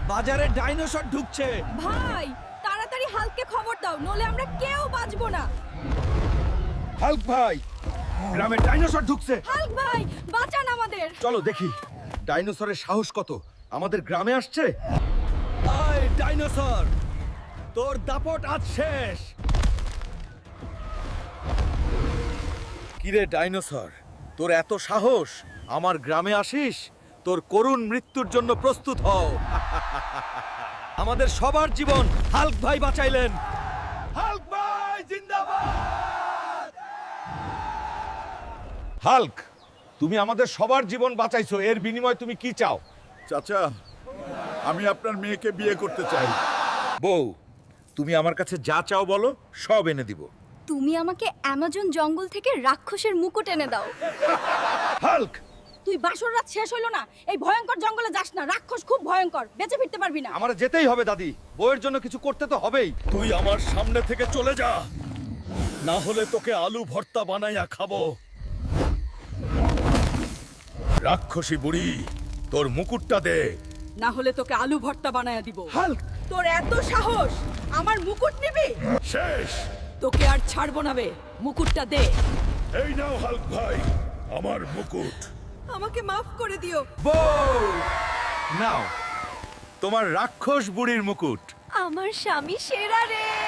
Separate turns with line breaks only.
বাজারে ডাইনোসর ঢুকছে।
ভাই তাড়াতাড়ি হালকে খবর দাও, নলে আমরা কেউ বাঁচবো না।
হাল্ক ভাই, গ্রামে ডাইনোসর ঢুকছে।
হাল্ক ভাই বাঁচান আমাদের।
চলো দেখি ডাইনোসরের সাহস কত, আমাদের গ্রামে আসছে। আয় ডাইনোসর, তোর দাপট আজ শেষ। কিরে ডাইনোসর, তোর এত সাহস, আমার গ্রামে আসিস? তোর করুণ মৃত্যুর জন্য প্রস্তুত হও। আমাদের সবার জীবন হাল্ক ভাই বাঁচাইলেন। হাল্ক ভাই জিন্দাবাদ। হাল্ক, তুমি আমাদের সবার জীবন বাঁচাইছো, এর বিনিময়ে তুমি কি চাও?
চাচা, আমি আপনার মেয়েকে বিয়ে করতে চাই।
বউ, তুমি আমার কাছে যা চাও বলো, সব এনে দিব।
তুমি আমাকে অ্যামাজন জঙ্গল থেকে রাক্ষসের মুকুট এনে দাও।
হাল্ক,
তুই বাসর রাত শেষ হইলো না, এই ভয়ঙ্কর জঙ্গলে যাস না, রাক্ষস খুব ভয়ঙ্কর, বেঁচে ফিরতে পারবি না।
আমার যেতেই হবে দাদি, বউয়ের জন্য কিছু করতে তো হবেই।
তুই আমার সামনে থেকে চলে যা, না হলে তোকে আলু ভর্তা বানাইয়া খাবো। রাক্ষসী বুড়ি, তোর মুকুটটা দে।
না হলে তোকে আলু ভর্তা বানায়া দিব।
হাল্ক,
তোর এত সাহস, আমার মুকুট নিবি?
শেষ।
তোকে আর ছাড়বো না বে, মুকুটটা দে।
এই নাও হাল্ক ভাই, আমার মুকুট।
আমাকে মাফ করে দিও।
বউ নাও তোমার রাক্ষস বুড়ির মুকুট।
আমার স্বামী সেরা রে।